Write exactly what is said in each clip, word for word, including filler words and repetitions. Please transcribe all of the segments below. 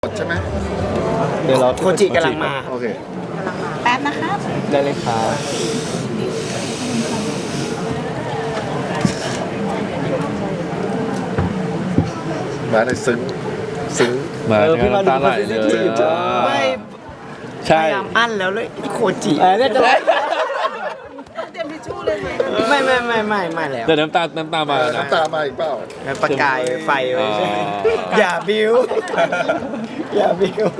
ใช่ไหมเดี๋ยวเราโคจิกำลังมาโอเคแป๊บนะครับได้เลยครับมาเลยซึ้งซึ้งมาเนี่ยน้ำตาไหลเลยไม่ใช่พยายามอั้นแล้วเลยโคจิเออเนี่ยจะเตรียมทิชชู่เลยไหมไม่ไม่ไม่ไม่ไม่แล้วแต่น้ำตาน้ำตามานะน้ำตามาอีกเปล่าประกายไฟไว้ใช่ไหมอ๋ออย่าบิ้วอย่าบิ้ว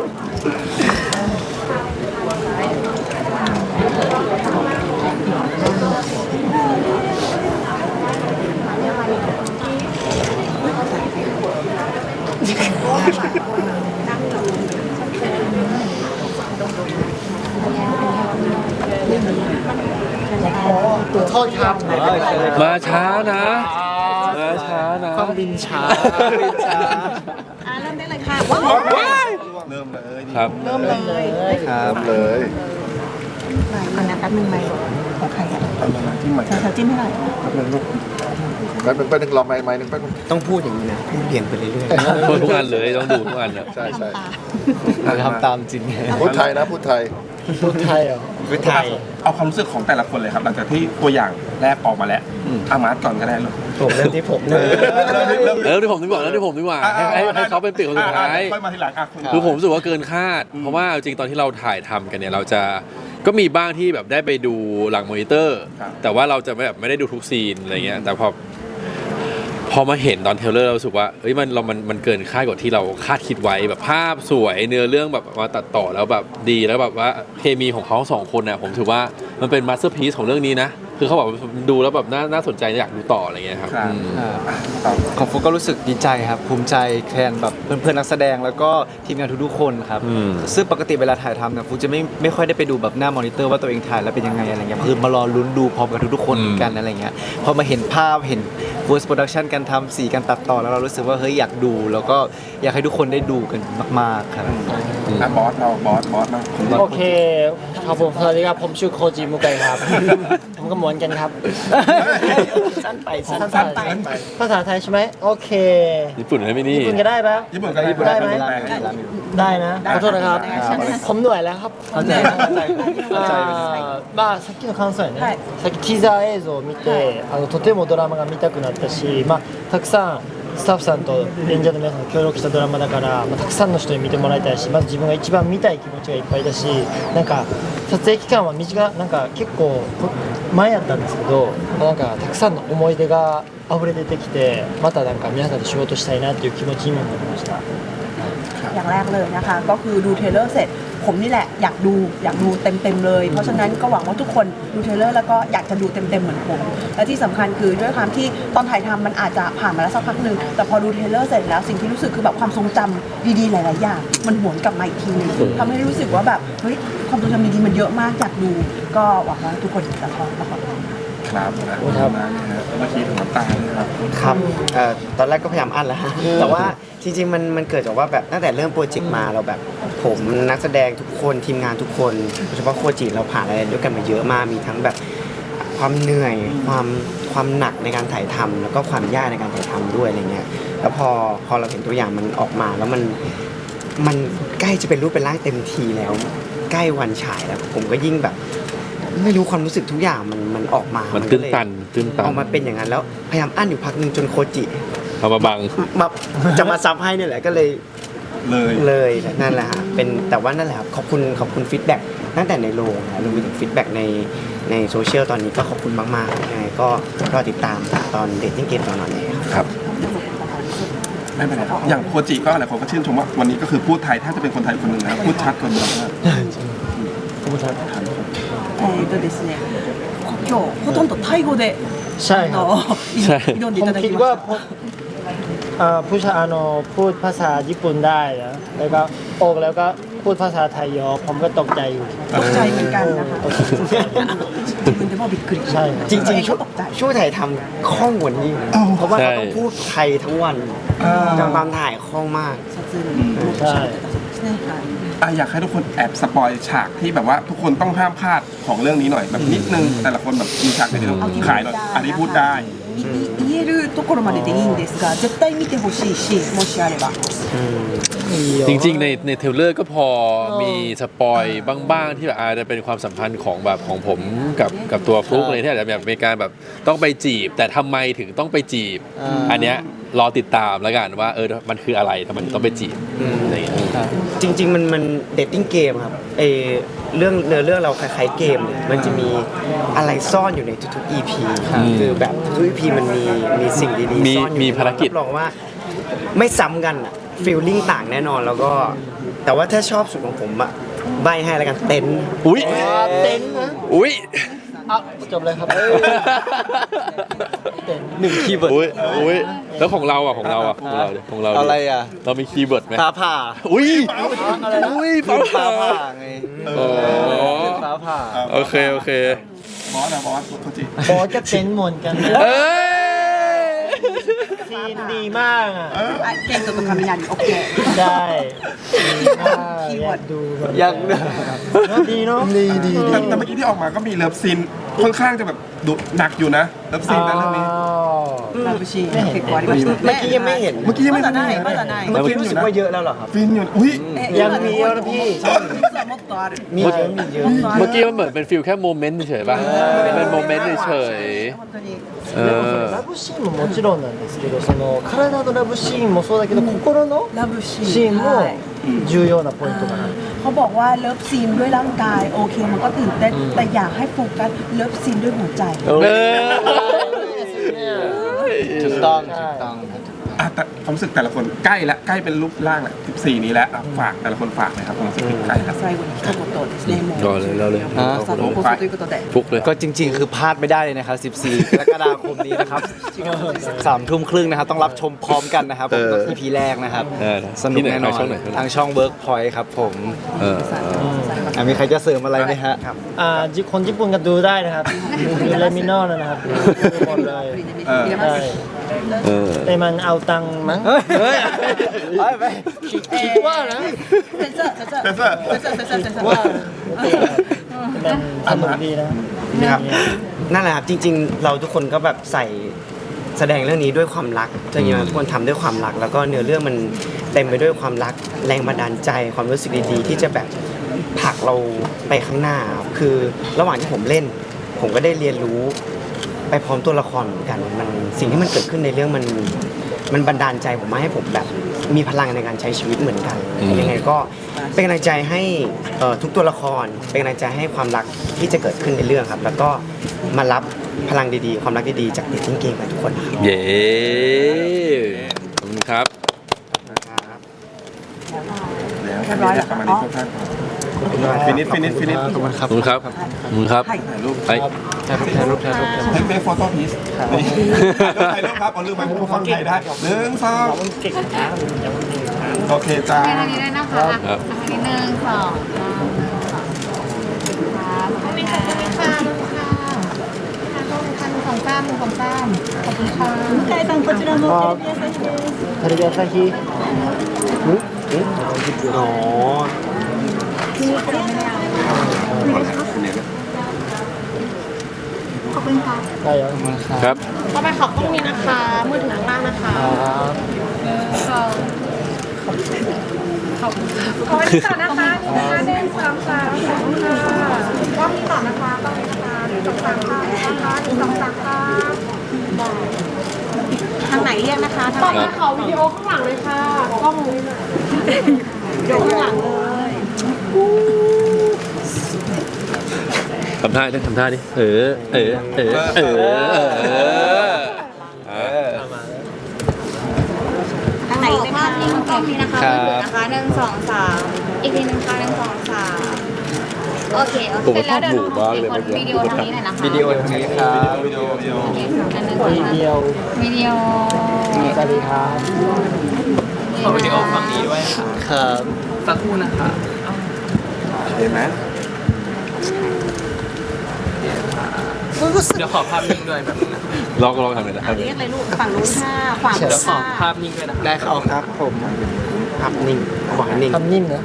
โทษครับมาช้านะมาช้านะความบินช้าบินช้าอ่าเริ่มได้เลยค่ะว้าวเริ่มเลยครับเริ่มเลยครับเลยก่อนนะแป๊บนึงไหมของใครอ่ะที่ใหม่เธอจิ้มให้หน่อยแป๊บนึงลูกแป๊บนึงแป๊บนึงรอไม้ไม้นึงแป๊บนึงต้องพูดอย่างนี้นะพูดเรียงไปเรื่อยพูดทุกอันเลยต้องดูทุกอันนะใช่ใช่ๆเราทำตามจริงพูดไทยนะพูดไทยๆพูดไทยเหรอพูดไทยเอาความรู้สึกของแต่ละคนเลยครับหลังจากที่ตัวอย่างแรกออกมาแล้วอามาร์ตก่อนก็ได้เลยผมเริ่มที่ผมเลยเออที่ผมดีกว่าแล้วที่ผมดีกว่าให้ให้ให้เขาเป็นติ่งคนสุดท้ายค่อยมาทีหลังอ่ะคุณคือผมรู้สึกว่าเกินคาด เพราะว่าจริงๆตอนที่เราถ่ายทำกันเนี่ยเราจะก็มีบ้างที่แบบได้ไปดูหลังมอนิเตอร์ แต่ว่าเราจะไม่แบบไม่ได้ดูทุกซีนอะไรเงี้ยแต่พอพอมาเห็นตอนเทรลเลอร์เรารู้สึกว่าเฮ้ยมันเรามันมันเกินคาดกว่าที่เราคาดคิดไว้แบบภาพสวยเนื้อเรื่องแบบมาตัดต่อแล้วแบบดีแล้วแบบว่าเคมีของเขาสองคนน่ะผมถือว่ามันเป็นมาสเตอร์พีซของเรื่องนี้นะคือเขาบอกว่าดูแล้วแบบน่าน่าสนใจอยากดูต่ออะไรเงี้ยครับครับอืมของฟุกก็รู้สึกดีใจครับภูมิใจแทนแบบเพื่อนๆนักแสดงแล้วก็ทีมงานทุกๆคนครับอืมซึ่งปกติเวลาถ่ายทำเนี่ยฟุกจะไม่ไม่ค่อยได้ไปดูแบบหน้ามอนิเตอร์ว่าตัวเองถ่ายแล้วเป็นยังไงอะไรเงี้ยคือมารอลุ้นดูพร้อมกับทุกๆคนเหมือนกันอะไรเงี้ยพอมาเห็นภาพเห็น post production การทำสีการตัดต่อแล้วเรารู้สึกว่าเฮ้ยอยากดู แล้วก็อยากให้ทุกคนได้ดูกันมากๆครับอ่ะบอสเราบอสบอสมางโอเคครับผมสวัสดีครับผมชื่อโคจิมุไกครับ ผมก็เหมือนกันครับสั้นไปสั้นสั้นไปภาษาไทยใช่ไหมโอเคญี่ปุ่นให้ไม่นี่ญี่ปุ่นก็ได้ปะญี่ปุ่นก็ญี่ปุ่นได้ไหมแปลให้ได้นะขอโทษนะครับ ผมเหนื่อยแล้วครับเข้าใจเข้าใจเข้าใจไปเลยあーまあさっきの感想やね、 はいさっきティザー映像を見て、あのとてもドラマが見たくなったし、まあ、たくさんスタッフさんと演者の皆さんが協力したドラマだから、まあ、たくさんの人に見てもらいたいしまず自分が一番見たい気持ちがいっぱいだしなんか撮影期間は短なんか結構前やったんですけど、まあ、なんかたくさんの思い出が溢れ出てきてまたなんか皆さんと仕事したいなっていう気持ちにもなりました。 อย่างแรกเลยนะคะก็คือดูเทรลเลอร์เสร็จผมนี่แหละอยากดูอยากดูเต็มๆเลยเพราะฉะนั้นก็หวังว่าทุกคนดูเทรลเลอร์แล้วก็อยากจะดูเต็มๆเหมือนผมและที่สำคัญคือด้วยความที่ตอนถ่ายทำมันอาจจะผ่านมาแล้วสักพักหนึ่งแต่พอดูเทรลเลอร์เสร็จแล้วสิ่งที่รู้สึกคือแบบความทรงจำดีๆหลายๆอย่างมันหวนกลับมาอีกทีนึงทำให้รู้สึกว่าแบบเฮ้ยความทรงจำดีๆมันเยอะมากอยากดูก็หวังว่าทุกคนจะชอบนะคะครับครับเมื่อกี้ถึงน้ำตาเลยครับครับเอ่อตอนแรกก็พยายามอั้นแล้วฮะแต่ว่าจริงๆมันมันเกิดจากว่าแบบตั้งแต่เริ่มโปรเจกต์มาเราแบบผมนักแสดงทุกคนทีมงานทุกคนโดยเฉพาะโคจิเราผ่านอะไรด้วยกันมาเยอะมากมีทั้งแบบความเหนื่อยความความหนักในการถ่ายทำแล้วก็ความยากในการถ่ายทำด้วยอะไรเงี้ยแล้วพอพอเราเห็นตัวอย่างมันออกมาแล้วมันมันใกล้จะเป็นรูปเป็นร่างเต็มทีแล้ว ใกล้วันฉายแล้วผมก็ยิ่งแบบ ไม่รู้ความรู้สึกทุกอย่างมันมันออกมามัมันตื้นตันตื้นตันออกมาเป็นอย่างนั้นแล้วพยายามอั้นอยู่พักหนึ่งจนโคจิเอามาบังมาจะมาซับให้เนี่ยแหละก็เลยเลยเลยนั่นแหละฮะเป็นแต่ว่านั่นแหละครับขอบคุณขอบคุณฟีดแบ็กตั้งแต่ในโรงนะรวมไปถึงฟีดแบ็กในในโซเชียลตอนนี้ก็ขอบคุณมากๆยังไงก็รอติดตามตอนเดทติ้งเกมตอนนั้นเลยครับครับไม่เป็นไรครับอย่างโคจิก็หลายคนก็ชื่นชมว่าวันนี้ก็คือพูดไทยถ้าจะเป็นคนไทยคนหนึ่งนะพูดชัดคนเดียวมากえーとですね今日ほとんどタイ語でใช่ครับあのใช่挑んでผいมただคิきดまว่าしたผมเอ่อผู้ชายanoพูดภาษาญี่ปุ่นได้นะแล้วก็ออกแล้วก็พูดภาษาไทยเยอะผมก็ตกใจอยู่ตกใจเหมือนกันนะคะ自分でもびっくりใช่ครับจริงๆช่วตกใจช่วงถ่ายทำคล่องกว่านี้อีกนะเพราะว่าเขาต้องพูดไทยทั้งวันจนตามถ่ายคล่องมาก撮影にもっと喋ってたそうですねはいอ่ะอยากให้ทุกคนแอบสปอยฉากที่แบบว่าทุกคนต้องห้ามพลาดของเรื่องนี้หน่อยแบบนิดนึงแต่ละคนแบบมีฉากไหนที่ต้องขายหน่อยอันนี้พูดได้いい言えるところまででいいんですが絶対見てほしいしもしあればอืมจริงๆในในเทรลเลอร์ก็พอมีสปอยบ้างๆที่แบบอาจจะเป็นความสัมพันธ์ของแบบของผมกับกับตัวฟลุ๊กเลยที่อาจจะแบบมีการแบบต้องไปจีบ แต่ทำไมถึงต้องไปจีบ อันเนี้ยรอติดตามแล้วกันว่าเออมันคืออะไรทำไมถึงต้องไปจีบอะไรอย่างเงี้ยจริง ๆ มันมันเดทติ้งเกมครับเออเรื่องเนื้อเรื่องเราคล้ายๆเกมเลยมันจะมีอะไรซ่อนอยู่ในทุกๆ อี พี คือแบบทุก อี พี มันมีมีสิ่งดีมีๆซ่อนอยู่มีภารกิจรับรองว่าไม่ซ้ำกันอะฟีลลิ่งต่างแน่นอนแล้วก็ แต่ว่าถ้าชอบสุดของผมอะใบให้แล้วกันเต็นท์อุ้ยเต็นท์นะอุ้ยอ่ะจบเลยครับเต็นท์หนึ่งคีย์เวิร์ดอุ้ยอุ้ยแล้วของเราอ่ะของเราอ่ะของเราดิของเราดิอะไรอ่ะเรามีคีย์เวิร์ดไหมฟ้าผ่าอุ้ยอะไรนะอุ้ยฟ้าฟ้าผ่าผ่าไงโอ้ฟ้าผ่าโอเคโอเคบอสนะบอสโทจิบอสก็เต็นท์เหมือนกันนะเอ้ยซีนดีมากอ่ะあケントと雷オッケーใช่ดีมากอยากดูมันยังดีเนาะดีดีแต่แต่เมื่อกี้ที่ออกมาก็มีเลิฟซีนค่อนข้างจะแบบดุหนักอยู่นะเลิฟซีนในเรื่องนี้ラブシーン結構ありましたเมื่อกี้ยังไม่เห็นเมื่อกี้ยังไม่まだないまだないเมื่อกี้รู้สึกว่าเยอะแล้วเหรอครับฟินอยู่อุ้ยยังมีเยอะนะพี่実はもっとあるมีเยอะมีเยอะเมื่อกี้มันเหมือนเป็นฟิลแค่โมเมนต์เฉยๆป่ะเป็นโมเมนต์เฉย本当にๆเอでもそอのラブシーンももちろんなんですけどその体のラブシーンもそうだけど心のラブシーンシーンもはい重要なポイントかなเขาบอกว่าเลิฟซีนด้วยร่างกายโอเคมันก็ตื่นเต้นแต่อยากให้โฟกัสเลิฟซีนด้วยหัวใจเออถูกต้องถูกต้องครับอ่ะแต่ความรู้สึกแต่ละคนใกล้ละใกล้เป็นรูปร่างละสิบสี่นี้แล้วอ่ะฝากแต่ละคนฝากเลยครับความรู้สึกใกล้ละ最後に一言ですねもうรอเลยรอเลยさあ放送ということでฟุกเลยก็จริงๆ คือพลาดไม่ได้เลยนะครับ สิบสี่ กรกฎาคมนี้นะครับ สามทุ่มครึ่งนะครับ ต้องรับชมพร้อมกันนะครับผมเออก็ อี พี แรกนะครับเออสนุกแน่นอนที่ไหนช่องไหนทางช่อง Workpoint ครับผมเอออ่ะมีใครจะเสริมอะไรไหมฮะอ่าจิคนญี่ปุ่นก็ดูได้นะครับดูเลมินอลนะครับดูหมดเลย入れまใช่すเออแต่มันเอาตังค์มั้งเฮ้ยเฮ้ยไปไปคิดว่านะ先生先生先生先生先生ว่ามันสนุกดีนะนะครับนั่นแหละครับจริง ๆ เราทุกคนก็แบบใส่แสดงเรื่องนี้ด้วยความรักจริงๆทุกคนทำด้วยความรัก แล้วก็เนื้อเรื่องมันเต็มไปด้วยความรักแรงบันดาลใจความรู้สึกดีๆ ที่จะแบบผลักเราไปข้างหน้าครับคือระหว่างที่ผมเล่น ผมก็ได้เรียนรู้ไปพร้อมตัวละครเหมือนกันมันสิ่งที่มันเกิดขึ้นในเรื่องมันมันบันดาลใจผมมาให้ผมแบบมีพลังในการใช้ชีวิตเหมือนกันยังไงก็เป็นกำลังใจให้เอ่อทุกตัวละครเป็นกำลังใจให้ความรักที่จะเกิดขึ้นในเรื่องครับ แล้วก็มารับพลังดีๆ ความรักดีๆจากเดทติ้งเกมกันทุกคนนะครับเย้ขอบคุณครับแล้วจะมีอะไรประมาณนี้ครับฟินิชฟินิชฟินิชขอบคุณครับขอบคุณครับขอบคุณครับถ่ายรูปไปถ่ายรูปถ่ายรูปถ่ายรูปเฮ้ยเบฟโฟโต้พีซนี่ถ่ายรูปครับเอาลืมไปผมฟังไทยได้หนึ่งสองโอเคจ้าไปทางนี้ได้นะคะครับทางนี้หนึ่งสองสามครับขอบคุณค่ะขอบคุณค่ะขอบคุณค่ะขอบคุณค่ะหนึ่งสองสามหนึ่งสองสามขอบคุณค่ะ向井さんこちらもテレビ朝日ですテレビ朝日อ๋อขอบคุณค่ะได้ยังครับต่อไปขอบต้องนี้นะคะ มือถือข้างล่างนะคะครับขอบขอบขอวันนี้ต่อนะคะนี่นะคะหนึ่งสองสามขอบคุณค่ะกล้องนี้ต่อนะคะกล้องนี้นะคะหนึ่งสองสามค่ะนะคะหนึ่งสองสามค่ะทางไหนเรียกนะคะต่อไปขอวิดีโอข้างหลังเลยค่ะกล้องนี้นะเดี๋ยวข้างหลังเลยทำท่าดิทำท่าดิเออ เออ เออ เออ เออ เออทางไหนภาพนิ่งกล้องนี้นะคะครับมือถือนะคะหนึ่งสองสามอีกทีหนึ่งค่ะหนึ่งสองสามโอเคโอเคผมเสร็จแล้วเดี๋ยวหนูชอบหมู่ขอมากเลยวิดีโอทางนี้หน่อยนะคะวิดีโอทางนี้ครับวิดีโอวิดีโอโอเคค่ะอันหนึ่งสองทีสามเดียววิดีโอสวัสดีครับขอวิดีโอฝั่งนี้ด้วยค่ะครับสักครู่นะคะเห็นไหมเดี๋ยวขอภาพนิ่งด้วยแบบนึงนะลองลองทำหน่อยนะครับเรียกอะไรลูกฝั่งนู้นค่ะขวามืเดี๋อยวขอค่ะภาพนิ่งด้วยนะได้ครับครับผมภาพนิ่งบอกให้นิ่งทำนิ่มนะ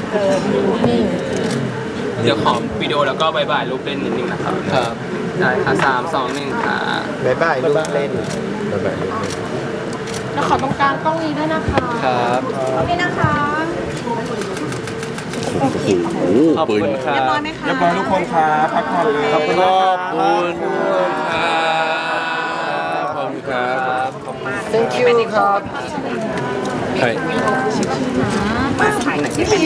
เดี๋ยวขอวิดีโอแล้วก็บายบายรูปเล่นนิดนึงนะครับครับได้ค่ะสามสองหนึ่งค่ะบ๊ายบายลูกเล่นเดี๋ยวขอตรงกลางกล้องนี้ด้วยนะคะครับตรงนี้นะคะโอ้โหขอบปืนคุณครัเรียบบร้อยไหมคะเรียบร้อยทุกคนครับพักผ่อนเลยขอบคุณขคอรับบ คุณครับขอบคุณครับ Thank you ครับใช่